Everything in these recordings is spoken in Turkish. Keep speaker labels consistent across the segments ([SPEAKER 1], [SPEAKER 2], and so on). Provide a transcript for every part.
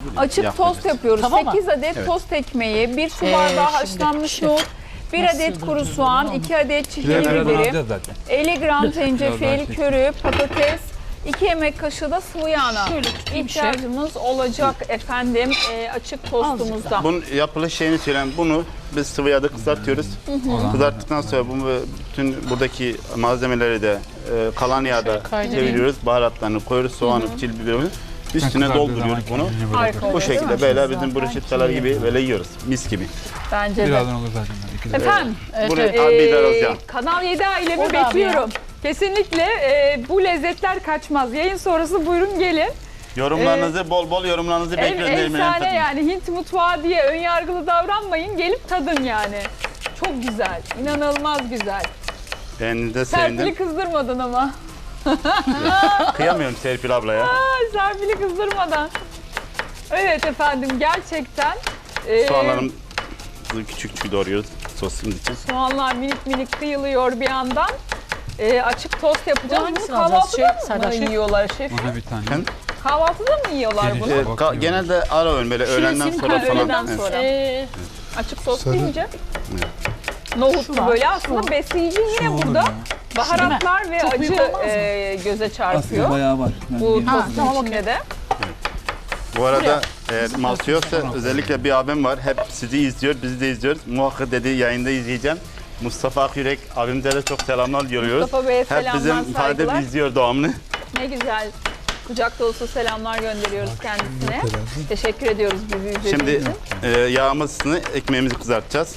[SPEAKER 1] Açık tost yapıyoruz.
[SPEAKER 2] Tamam mı?
[SPEAKER 1] 8 adet tost ekmeği, 1 su bardağı haşlanmış nohut, 1 adet kuru soğan, 2 adet çiğdem biberi, 50 gram zencefil, körü, patates, 2 yemek kaşığı da sıvı yağına ihtiyacımız olacak efendim açık tostumuzda.
[SPEAKER 3] Bunun yapılış şeyini söyleyeyim. Bunu biz sıvı yağda kızartıyoruz. Kızarttıktan sonra bunu bütün buradaki malzemeleri de kalan yağda çeviriyoruz. Baharatlarını koyuyoruz. Soğanı, çil biberimizi. Üstüne dolduruyoruz bunu.
[SPEAKER 1] Harika
[SPEAKER 3] Bu
[SPEAKER 1] oluyor, değil
[SPEAKER 3] şekilde
[SPEAKER 1] mi?
[SPEAKER 3] böyle bizim bruschetteler gibi böyle yiyoruz. Mis gibi.
[SPEAKER 1] Bence de.
[SPEAKER 4] Birazdan olur zaten.
[SPEAKER 1] Efendim,
[SPEAKER 3] Buraya biber Özcan.
[SPEAKER 1] Kanal 7 ailemi
[SPEAKER 2] Orada abi
[SPEAKER 1] bekliyorum. Kesinlikle bu lezzetler kaçmaz. Yayın sonrası buyurun gelin.
[SPEAKER 3] Yorumlarınızı bol bol yorumlarınızı bekliyoruz.
[SPEAKER 1] Efsane yani Hint mutfağı diye ön yargılı davranmayın. Gelip tadın yani. Çok güzel. İnanılmaz güzel.
[SPEAKER 3] Beğendiğinize
[SPEAKER 1] Serpil'i
[SPEAKER 3] sevindim.
[SPEAKER 1] kızdırmadın ama.
[SPEAKER 3] Kıyamıyorum Serpil ablaya.
[SPEAKER 1] Serpil'i kızdırmadan. Evet efendim gerçekten.
[SPEAKER 3] Soğanlarımızı küçük küçük doğruyoruz sosumuz için.
[SPEAKER 1] Soğanlar minik minik kıyılıyor bir yandan. Açık tost yapacağız. Bunu
[SPEAKER 2] hangisini alacağız?
[SPEAKER 1] kahvaltıda mı yiyorlar şef?
[SPEAKER 4] Bana bir tane.
[SPEAKER 3] Hem
[SPEAKER 1] Kahvaltıda mı yiyorlar bunu?
[SPEAKER 3] genelde ara öğün böyle öğlenden sonra falan.
[SPEAKER 1] öğleden
[SPEAKER 3] Evet.
[SPEAKER 1] sonra. Açık tost deyince nohutlu böyle aslında besleyici yine burada. Baharatlar ve
[SPEAKER 2] Çok büyük
[SPEAKER 1] acı
[SPEAKER 2] olmaz mı?
[SPEAKER 1] göze çarpıyor.
[SPEAKER 4] Aslında bayağı var.
[SPEAKER 1] Bu tostun içinde de.
[SPEAKER 3] Bu arada mahsul yoksa özellikle bir abim var. Hep sizi izliyor, bizi de izliyoruz. Muhakkak dedi yayında izleyeceğim. Mustafa Akyürek abimize de çok selamlar yolluyoruz.
[SPEAKER 1] Mustafa Bey'e
[SPEAKER 3] Hep
[SPEAKER 1] selamlar,
[SPEAKER 3] bizim
[SPEAKER 1] saygılar.
[SPEAKER 3] ifade izliyor devamlı.
[SPEAKER 1] Ne güzel. Kucak dolusu selamlar gönderiyoruz kendisine. Teşekkür ediyoruz bizi izlediğiniz
[SPEAKER 3] Şimdi
[SPEAKER 1] için.
[SPEAKER 3] yağımızını, ekmeğimizi kızartacağız.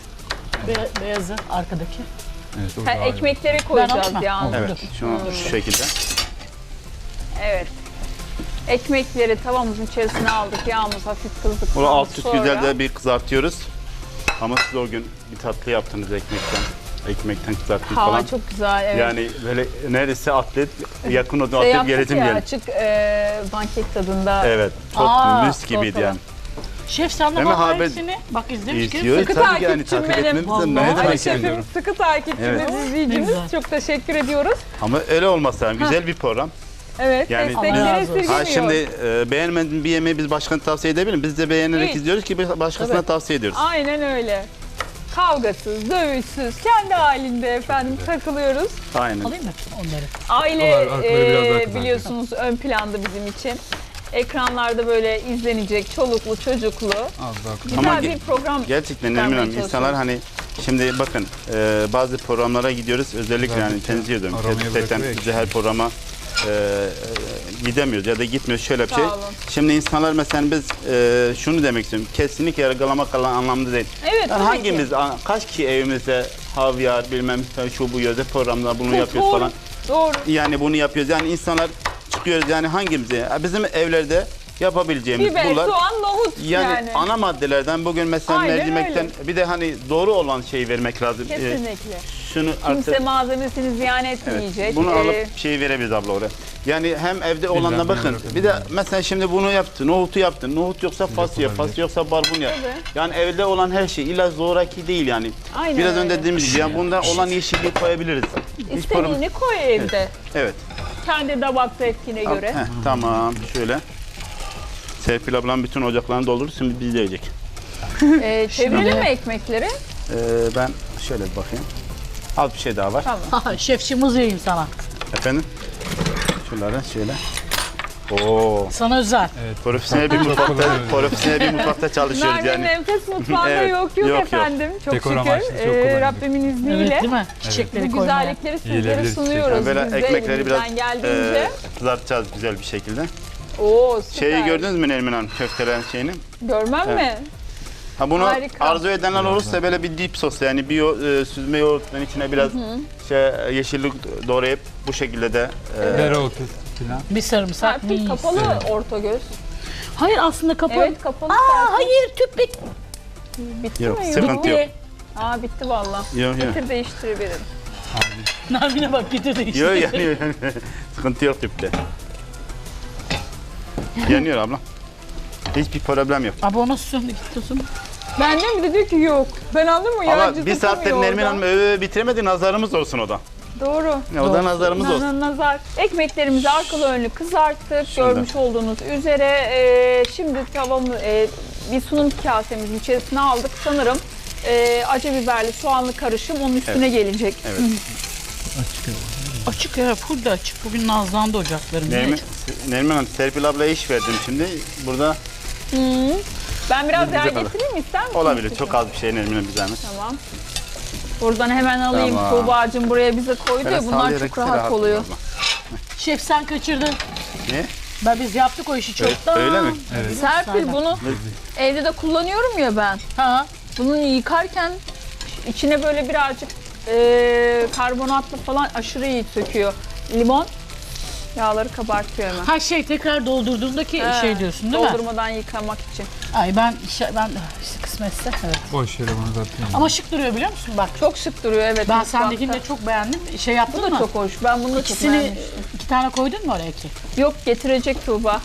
[SPEAKER 2] Beyazı arkadaki.
[SPEAKER 4] Evet, orada ayrı.
[SPEAKER 1] Ekmekleri koyacağız
[SPEAKER 2] alayım mı?
[SPEAKER 1] yalnız.
[SPEAKER 3] Evet, şunu şu şekilde.
[SPEAKER 1] Evet. Ekmekleri tavamızın içerisine aldık. Yağımız hafif kızdıktan
[SPEAKER 3] Bunu alt üst
[SPEAKER 1] sonra.
[SPEAKER 3] güzel de bir kızartıyoruz. Ama siz o gün bir tatlı yaptınız ekmekten. Ekmekten kızarttınız
[SPEAKER 1] Hava
[SPEAKER 3] falan.
[SPEAKER 1] çok güzel. Evet.
[SPEAKER 3] Yani böyle neredeyse atlet, yakın o
[SPEAKER 1] Şey
[SPEAKER 3] atlet
[SPEAKER 1] yaptık
[SPEAKER 3] geletim
[SPEAKER 1] ya,
[SPEAKER 3] geldi.
[SPEAKER 1] açık banket tadında.
[SPEAKER 3] Evet, çok mis gibiydi
[SPEAKER 1] ortalama.
[SPEAKER 3] yani.
[SPEAKER 2] Şef sen de
[SPEAKER 3] Hemen
[SPEAKER 2] bak
[SPEAKER 3] haber-
[SPEAKER 2] hepsini. Bak izlemiş ki.
[SPEAKER 3] İzliyoruz
[SPEAKER 1] Sıkı
[SPEAKER 3] tabii ki yani
[SPEAKER 1] takipçim
[SPEAKER 3] takip
[SPEAKER 1] benim.
[SPEAKER 3] etmemiz de ne
[SPEAKER 2] Vallahi.
[SPEAKER 1] Ali
[SPEAKER 3] demek
[SPEAKER 1] şefim
[SPEAKER 3] yani.
[SPEAKER 1] sıkı takipçimiz,
[SPEAKER 3] Evet.
[SPEAKER 1] izleyicimiz.
[SPEAKER 2] Ne güzel.
[SPEAKER 1] Çok teşekkür ediyoruz.
[SPEAKER 3] Ama öyle olmasa yani güzel bir program.
[SPEAKER 1] Evet,
[SPEAKER 3] Yani
[SPEAKER 1] destekleri
[SPEAKER 2] Allah razı olsun.
[SPEAKER 1] esirgemiyor.
[SPEAKER 3] Ha şimdi beğenmediğin bir yemeği biz başkana tavsiye edebilir miyiz? Biz de beğenerek
[SPEAKER 1] Hiç.
[SPEAKER 3] izliyoruz ki başkasına
[SPEAKER 1] Evet.
[SPEAKER 3] tavsiye ediyoruz.
[SPEAKER 1] Aynen öyle. Kavgasız, dövüşsüz, kendi halinde efendim takılıyoruz.
[SPEAKER 3] Aynen.
[SPEAKER 2] Alayım mı onları?
[SPEAKER 1] Aile
[SPEAKER 4] Arkaları biraz daha kızartacağız.
[SPEAKER 1] biliyorsunuz ön planda bizim için. Ekranlarda böyle izlenecek çoluklu çocuklu.
[SPEAKER 4] Az daha kızartacağız.
[SPEAKER 1] Güzel
[SPEAKER 3] Ama
[SPEAKER 1] bir program.
[SPEAKER 3] Gerçekten
[SPEAKER 1] çıkarmaya
[SPEAKER 3] Nermin Hanım insanlar
[SPEAKER 1] çalışıyoruz.
[SPEAKER 3] hani şimdi bakın bazı programlara gidiyoruz özellikle yani tenzih ediyorum.
[SPEAKER 4] Aramayı
[SPEAKER 3] Gerçekten
[SPEAKER 4] bırakıyor
[SPEAKER 3] biz de her programa gidemiyoruz ya da gitmiyoruz şöyle bir
[SPEAKER 1] Sağ
[SPEAKER 3] şey.
[SPEAKER 1] olun.
[SPEAKER 3] Şimdi insanlar mesela biz şunu demek istiyorum kesinlikle yargılamak anlamda değil.
[SPEAKER 1] Evet,
[SPEAKER 3] Yani
[SPEAKER 1] tabii
[SPEAKER 3] hangimiz kaç kişi evimizde havyar bilmem şu bu yöze programda bunu yapıyoruz
[SPEAKER 1] Doğru,
[SPEAKER 3] falan.
[SPEAKER 1] Doğru.
[SPEAKER 3] Yani bunu yapıyoruz. Yani insanlar çıkıyoruz yani hangimize? Bizim evlerde yapabileceğimiz
[SPEAKER 1] Biber,
[SPEAKER 3] bunlar.
[SPEAKER 1] soğan, nohut
[SPEAKER 3] Yani ana maddelerden bugün mesela
[SPEAKER 1] Aynen
[SPEAKER 3] mercimekten bir de hani doğru olan şeyi vermek lazım.
[SPEAKER 1] Kesinlikle.
[SPEAKER 3] Şunu
[SPEAKER 1] Kimse
[SPEAKER 3] artık
[SPEAKER 1] malzemesini ziyan etmeyecek.
[SPEAKER 3] bunu alıp şeyi verebiliriz abla oraya. Yani hem evde olanla bakın. Bir de mesela şimdi bunu yaptın, nohutu yaptın. Nohut yoksa fasulye, fasulye yoksa barbunya.
[SPEAKER 1] Tabii.
[SPEAKER 3] Yani evde olan her şey illa zoraki değil yani.
[SPEAKER 1] Aynen
[SPEAKER 3] Biraz
[SPEAKER 1] öyle.
[SPEAKER 3] önce dediğimiz gibi yani bundan olan yeşilliği koyabiliriz. Hiç problem-
[SPEAKER 1] İstediğini koy evde.
[SPEAKER 3] Evet.
[SPEAKER 1] Kendi damak zevkine göre.
[SPEAKER 3] Heh, tamam şöyle. Serpil ablam bütün ocaklarını doldurur şimdi biz yiyecek.
[SPEAKER 1] Çevirelim mi ekmekleri?
[SPEAKER 3] Ben şöyle bir bakayım. Az bir şey daha var.
[SPEAKER 1] Tamam.
[SPEAKER 2] Şefçim uzayayım sana.
[SPEAKER 3] Efendim? Şunları şöyle. Oo.
[SPEAKER 2] Sana özel.
[SPEAKER 3] Profesyonel bir mutfakta çalışıyoruz
[SPEAKER 1] Merve'nin
[SPEAKER 3] yani.
[SPEAKER 1] enfes mutfağında
[SPEAKER 3] Evet,
[SPEAKER 1] yok
[SPEAKER 3] yok.
[SPEAKER 1] efendim. Çok
[SPEAKER 4] Dekor
[SPEAKER 1] şükür.
[SPEAKER 4] amaçlı çok kullanılıyor.
[SPEAKER 1] Rabbimin
[SPEAKER 2] Evet
[SPEAKER 1] izniyle
[SPEAKER 2] değil mi? Çiçekleri
[SPEAKER 1] bu
[SPEAKER 2] koymaya.
[SPEAKER 1] güzellikleri sizlere
[SPEAKER 4] Yiyilebilir
[SPEAKER 1] sunuyoruz.
[SPEAKER 3] Yani böyle
[SPEAKER 1] Biz de
[SPEAKER 3] ekmekleri biraz
[SPEAKER 1] elimizden geldiğince.
[SPEAKER 3] kızartacağız güzel bir şekilde.
[SPEAKER 1] Oo süper.
[SPEAKER 3] Şeyi gördünüz mü Nermin Hanım köftelerin şeyini?
[SPEAKER 1] Görmem mi?
[SPEAKER 3] Ha bunu
[SPEAKER 1] Harika.
[SPEAKER 3] arzu edenler olursa böyle bir dip sos yani bir süzme yoğurtun içine biraz yeşillik doğrayıp bu şekilde de
[SPEAKER 4] Dereotu falan.
[SPEAKER 2] Bir sarımsak.
[SPEAKER 1] Serpil kapalı orta göz.
[SPEAKER 2] Hayır aslında kapalı.
[SPEAKER 1] Evet kapalı.
[SPEAKER 2] Aa
[SPEAKER 1] Serpil.
[SPEAKER 2] hayır tüp bit.
[SPEAKER 1] Bitti
[SPEAKER 3] Yok,
[SPEAKER 1] mi?
[SPEAKER 3] sıkıntı yok.
[SPEAKER 1] Aa bitti valla.
[SPEAKER 3] Yok, yok.
[SPEAKER 1] Getir değiştirebilirim.
[SPEAKER 2] Nermin'e bak getirdi işte.
[SPEAKER 3] Yok yanıyor. Sıkıntı yok tüpte. Yanıyor abla. Hiçbir problem yok.
[SPEAKER 2] Abi o nasıl söndü gitti
[SPEAKER 1] Benden bir de diyor ki yok. Ben anladın mı?
[SPEAKER 3] Ama
[SPEAKER 1] Yalancı
[SPEAKER 3] bir saattir
[SPEAKER 1] tutamıyor
[SPEAKER 3] Nermin
[SPEAKER 1] orada.
[SPEAKER 3] Hanım bitiremedi nazarımız olsun o da.
[SPEAKER 1] Doğru.
[SPEAKER 3] O da nazarımız olsun.
[SPEAKER 1] Nazar. Ekmeklerimizi arkalı önlü kızarttık.
[SPEAKER 3] Şurada.
[SPEAKER 1] Görmüş olduğunuz üzere. Şimdi tavamı bir sunum kasemizin içerisine aldık. Sanırım acı biberli soğanlı karışım onun üstüne gelecek.
[SPEAKER 3] Evet.
[SPEAKER 2] Açık ya, full de açık. Bugün nazlandı ocaklarım.
[SPEAKER 3] Nermin Hanım, Serpil ablaya iş verdim şimdi. Burada
[SPEAKER 1] Ben biraz
[SPEAKER 3] Bize
[SPEAKER 1] yağ
[SPEAKER 3] kadar.
[SPEAKER 1] getireyim mi, ister misin?
[SPEAKER 3] olabilir. Çok az bir şey Nermin Hanım, bir zahmet.
[SPEAKER 1] Tamam. Buradan hemen alayım.
[SPEAKER 3] Tamam.
[SPEAKER 1] Tuğba'cığım buraya bize koydu ya, bunlar
[SPEAKER 3] sallayarak
[SPEAKER 1] çok rahat oluyor.
[SPEAKER 3] abla.
[SPEAKER 2] Şef sen kaçırdın.
[SPEAKER 3] Ne?
[SPEAKER 2] Biz yaptık o işi çoktan.
[SPEAKER 3] Öyle mi?
[SPEAKER 4] Evet.
[SPEAKER 1] Serpil bunu evde de kullanıyorum ya ben.
[SPEAKER 2] Ha.
[SPEAKER 1] Bunu yıkarken içine böyle birazcık karbonatlı falan aşırı iyi söküyor. Limon yağları kabartıyor hemen.
[SPEAKER 2] Ha tekrar doldurduğumdaki şey diyorsun değil mi?
[SPEAKER 1] Doldurmadan yıkamak için.
[SPEAKER 2] Ay ben işte kısmetse evet.
[SPEAKER 4] Boş yere bunu zaten.
[SPEAKER 2] Ama şık duruyor biliyor musun bak.
[SPEAKER 1] Çok şık duruyor evet.
[SPEAKER 2] Ben
[SPEAKER 1] mutfakta.
[SPEAKER 2] sendekini de çok beğendim. Şey
[SPEAKER 1] Bu
[SPEAKER 2] yaptın
[SPEAKER 1] da
[SPEAKER 2] mı?
[SPEAKER 1] çok hoş. Ben bunu da çok
[SPEAKER 2] İkisini
[SPEAKER 1] beğenmiştim.
[SPEAKER 2] 2 tane koydun mu oraya ki?
[SPEAKER 1] Yok, getirecek Tuğba.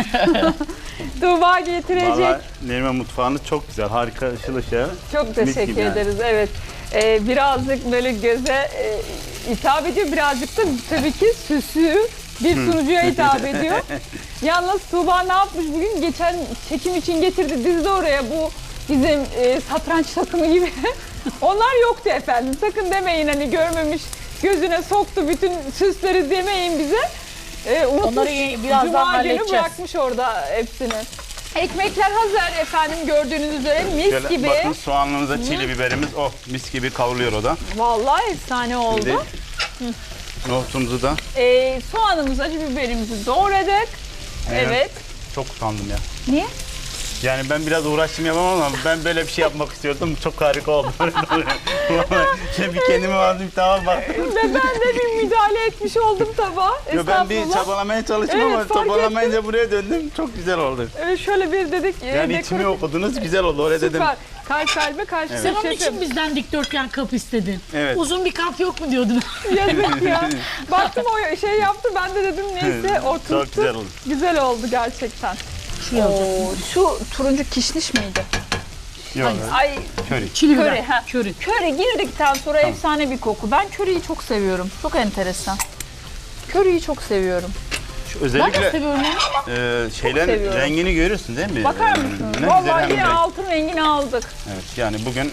[SPEAKER 1] Tuğba getirecek.
[SPEAKER 3] Valla Nermin mutfağınız çok güzel. Harika, ışıl ışıl.
[SPEAKER 1] Çok
[SPEAKER 3] Mis
[SPEAKER 1] teşekkür
[SPEAKER 3] gibi yani.
[SPEAKER 1] ederiz. Evet. Birazcık böyle göze hitap ediyor. Birazcık da tabii ki süsü bir sunucuya hitap ediyor. Yalnız Tuğba ne yapmış bugün? Geçen çekim için getirdi, dizdi oraya bu bizim satranç takımı gibi. Onlar yoktu efendim. Sakın demeyin hani görmemiş, gözüne soktu bütün süsleri demeyin bize. Unutmuş.
[SPEAKER 2] Onları birazdan
[SPEAKER 1] Cuma günü
[SPEAKER 2] halledeceğiz.
[SPEAKER 1] bırakmış orada hepsini. Ekmekler hazır efendim, gördüğünüz üzere mis
[SPEAKER 3] Şöyle
[SPEAKER 1] gibi.
[SPEAKER 3] bakın, soğanlımıza çili biberimiz mis gibi kavruluyor o da.
[SPEAKER 1] Vallahi efsane oldu.
[SPEAKER 3] Şimdi nohutumuzu da
[SPEAKER 1] Soğanımızı, acı biberimizi doğradık. Evet.
[SPEAKER 3] çok utandım ya.
[SPEAKER 1] Niye?
[SPEAKER 3] Yani ben biraz uğraştım yapamam ama ben böyle bir şey yapmak istiyordum. Çok harika oldu. Vallahi şimdi bir kendime vardım, tamam baktım.
[SPEAKER 1] Ve ben de bir müdahale etmiş oldum tabağa.
[SPEAKER 3] Yo, ben bir
[SPEAKER 1] Estağfurullah.
[SPEAKER 3] çabalamaya çalıştım
[SPEAKER 1] Evet,
[SPEAKER 3] ama
[SPEAKER 1] fark
[SPEAKER 3] çabalamayınca buraya döndüm. Çok güzel oldu.
[SPEAKER 1] Şöyle bir dedik.
[SPEAKER 3] Yani içimi okudunuz, güzel oldu. Oraya dedim.
[SPEAKER 1] Süper. Kalp kalbe karşı
[SPEAKER 2] Sen onun
[SPEAKER 1] şefim.
[SPEAKER 2] için bizden dikdörtgen kap istedin.
[SPEAKER 3] Evet.
[SPEAKER 2] Uzun bir kap yok mu diyordun?
[SPEAKER 1] Yazık ya. Baktım o şey yaptı, ben de dedim neyse o tuttu.
[SPEAKER 3] Çok güzel oldu.
[SPEAKER 1] Güzel oldu gerçekten.
[SPEAKER 2] Şu yazacağım.
[SPEAKER 1] Şu turuncu kişniş miydi?
[SPEAKER 3] Yok.
[SPEAKER 1] Ay,
[SPEAKER 3] Köri.
[SPEAKER 2] Çili
[SPEAKER 1] köri.
[SPEAKER 2] biber.
[SPEAKER 1] Ha.
[SPEAKER 2] Köri.
[SPEAKER 1] Köri girdikten sonra efsane bir koku. Ben köriyi çok seviyorum. Çok enteresan. Köriyi çok seviyorum.
[SPEAKER 3] Şu
[SPEAKER 2] Ben de
[SPEAKER 3] özellikle
[SPEAKER 2] seviyorum onu.
[SPEAKER 3] şeylerin
[SPEAKER 1] seviyorum.
[SPEAKER 3] rengini görüyorsun değil mi?
[SPEAKER 1] Bakar mısınız?
[SPEAKER 3] Ne güzel
[SPEAKER 1] Vallahi
[SPEAKER 3] hem
[SPEAKER 1] yine
[SPEAKER 3] renk.
[SPEAKER 1] altın rengini aldık.
[SPEAKER 3] Evet, yani bugün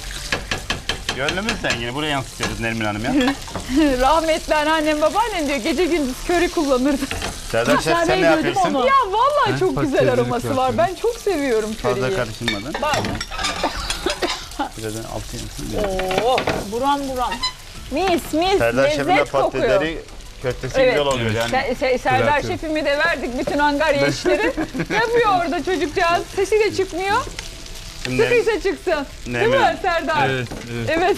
[SPEAKER 3] gönlümüz rengini buraya yansıtıyoruz Nermin Hanım ya.
[SPEAKER 1] Rahmetli anneannem, babaannem diyor gece gündüz köri kullanırdı.
[SPEAKER 3] Serdar Şef, sen ne
[SPEAKER 2] gördüm
[SPEAKER 3] yapıyorsun?
[SPEAKER 2] onu.
[SPEAKER 1] Ya vallahi çok
[SPEAKER 4] Bak,
[SPEAKER 1] güzel
[SPEAKER 4] teyzelik
[SPEAKER 1] aroması var.
[SPEAKER 4] yapıyorum.
[SPEAKER 1] Ben çok seviyorum
[SPEAKER 3] Fazla
[SPEAKER 1] köriyi.
[SPEAKER 3] karıştırmadan.
[SPEAKER 1] Bak.
[SPEAKER 3] Biraz altı yansın.
[SPEAKER 1] Oo, buram buram. Mis mis,
[SPEAKER 3] Serdar Şef'in de
[SPEAKER 1] lezzet kokuyor.
[SPEAKER 3] patatesleri köftesi
[SPEAKER 1] Evet.
[SPEAKER 3] güzel oluyor yani.
[SPEAKER 1] Serdar
[SPEAKER 4] Bırakıyorum.
[SPEAKER 1] şefimi de verdik bütün Angarya işleri. Yapıyor orada çocukcağız. Sesi de çıkmıyor.
[SPEAKER 3] Şimdi
[SPEAKER 1] Sıkıysa çıksın. Değil
[SPEAKER 3] Nermin
[SPEAKER 1] mi
[SPEAKER 3] Hanım.
[SPEAKER 1] Serdar?
[SPEAKER 4] Evet, evet.
[SPEAKER 1] Evet.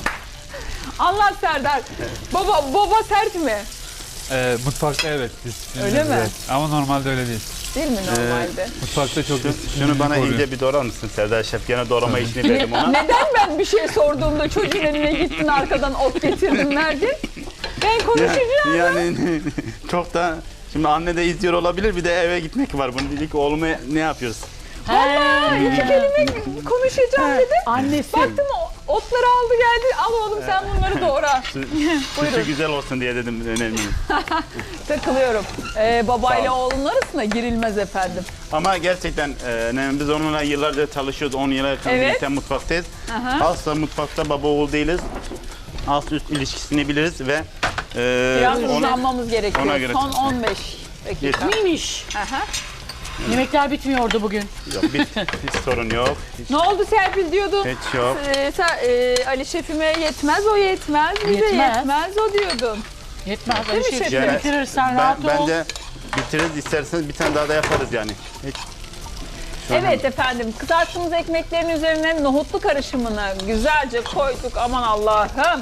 [SPEAKER 1] Anlat Serdar. Baba sert mi?
[SPEAKER 4] Mutfakta evet.
[SPEAKER 1] Öyle mi?
[SPEAKER 4] Evet. Ama normalde öyle değil.
[SPEAKER 1] Değil mi normalde?
[SPEAKER 4] Mutfakta çok
[SPEAKER 3] şunu bana
[SPEAKER 4] koruyor.
[SPEAKER 3] iyice bir doğrar mısın Serdar Şef? Gene doğrama işini verdim ona.
[SPEAKER 1] Neden ben bir şey sorduğumda çocuğun eline gittin arkadan ot getirdin verdin? Ben konuşacağım.
[SPEAKER 3] Yani çok da şimdi anne de izliyor olabilir, bir de eve gitmek var. Bunu dedik oğluma ne yapıyoruz?
[SPEAKER 1] İki kelime konuşacağım dedim.
[SPEAKER 2] Annesi.
[SPEAKER 1] Baktım otları aldı geldi. Al oğlum sen bunları doğra.
[SPEAKER 3] Sütü güzel olsun diye dedim önemli.
[SPEAKER 1] Takılıyorum. Babayla
[SPEAKER 3] Sağ ol.
[SPEAKER 1] oğlunun arasında girilmez efendim.
[SPEAKER 3] Ama gerçekten biz onunla yıllarca çalışıyoruz. 10 yıla yakın
[SPEAKER 1] Evet.
[SPEAKER 3] birlikte mutfaktayız.
[SPEAKER 1] Aha.
[SPEAKER 3] Asla mutfakta baba oğul değiliz. Alt üst ilişkisini biliriz ve
[SPEAKER 1] Biraz
[SPEAKER 3] onu-
[SPEAKER 1] hızlanmamız gerekiyor.
[SPEAKER 3] ona göre
[SPEAKER 1] Son
[SPEAKER 3] çalışın.
[SPEAKER 1] 15 dakika.
[SPEAKER 3] Yeter.
[SPEAKER 2] Neymiş?
[SPEAKER 1] Aha.
[SPEAKER 2] Yemekler bitmiyordu bugün.
[SPEAKER 3] Yok, hiç sorun yok.
[SPEAKER 1] Ne oldu Serpil diyordun?
[SPEAKER 3] Hiç yok.
[SPEAKER 1] Ali şefime yetmez, o yetmez, bize
[SPEAKER 2] Yetmez.
[SPEAKER 1] yetmez o diyordun.
[SPEAKER 2] Yetmez.
[SPEAKER 1] Değil mi
[SPEAKER 2] Öyle şey
[SPEAKER 1] şefim?
[SPEAKER 3] Yani
[SPEAKER 2] bitirirsen rahat ol.
[SPEAKER 3] bence bitiririz, isterseniz bir tane daha da yaparız yani. Hiç.
[SPEAKER 1] Evet efendim, kızarttığımız ekmeklerin üzerine nohutlu karışımını güzelce koyduk. Aman Allah'ım.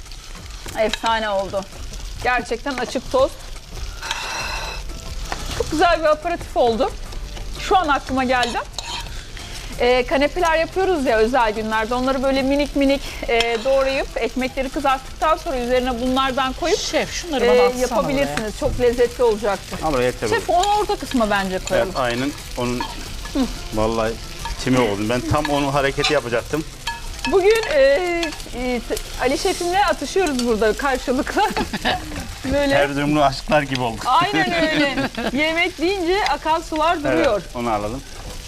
[SPEAKER 1] Efsane oldu. Gerçekten açık tost. Çok güzel bir aperatif oldu. Şu an aklıma geldi. Kanepeler yapıyoruz ya özel günlerde. Onları böyle minik minik doğrayıp ekmekleri kızarttıktan sonra üzerine bunlardan koyup
[SPEAKER 2] Şef şunları bana atsana
[SPEAKER 1] yapabilirsiniz. Çok lezzetli olacaktır.
[SPEAKER 3] Ama yeter.
[SPEAKER 1] Şef onu orta kısma bence koyalım.
[SPEAKER 3] Evet, aynen onun vallahi içime oldu. Ben tam onun hareketi yapacaktım.
[SPEAKER 1] Bugün Ali Şef'imle atışıyoruz burada karşılıklı. Böyle.
[SPEAKER 3] Erzurumlu aşıklar gibi olduk.
[SPEAKER 1] Aynen öyle. Yemek deyince akan sular duruyor.
[SPEAKER 3] Evet, onu alalım.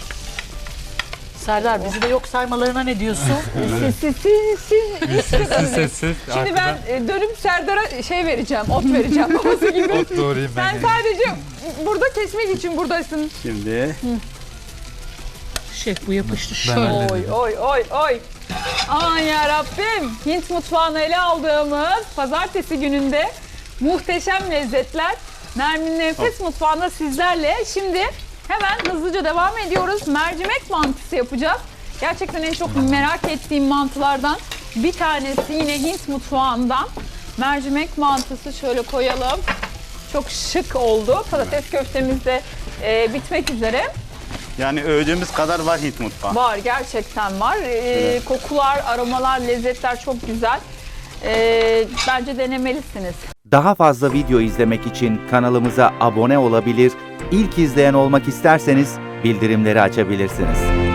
[SPEAKER 2] Serdar bizi de yok saymalarına ne diyorsun?
[SPEAKER 1] Siz
[SPEAKER 4] Sessiz.
[SPEAKER 1] Şimdi ben dönüp Serdar'a şey vereceğim, ot vereceğim babası gibi.
[SPEAKER 4] Ot doğrayayım ben.
[SPEAKER 1] Sen sadece burada kesmek için buradasın.
[SPEAKER 3] Şimdi
[SPEAKER 2] Şef bu yapıştı
[SPEAKER 4] Ben
[SPEAKER 2] şöyle.
[SPEAKER 4] hallederim.
[SPEAKER 1] Oy. Aman ya Rabbim. Hint mutfağını ele aldığımız pazartesi gününde muhteşem lezzetler. Nermin'in Enfes Mutfağı'nda sizlerle. Şimdi hemen hızlıca devam ediyoruz. Mercimek mantısı yapacağız. Gerçekten en çok merak ettiğim mantılardan bir tanesi yine Hint mutfağından. Mercimek mantısı şöyle koyalım. Çok şık oldu. Patates köftemiz de bitmek üzere.
[SPEAKER 3] yani övdüğümüz kadar var Hint mutfağı.
[SPEAKER 1] Var, gerçekten var. Kokular, aromalar, lezzetler çok güzel. Bence denemelisiniz.
[SPEAKER 5] Daha fazla video izlemek için kanalımıza abone olabilir, ilk izleyen olmak isterseniz bildirimleri açabilirsiniz.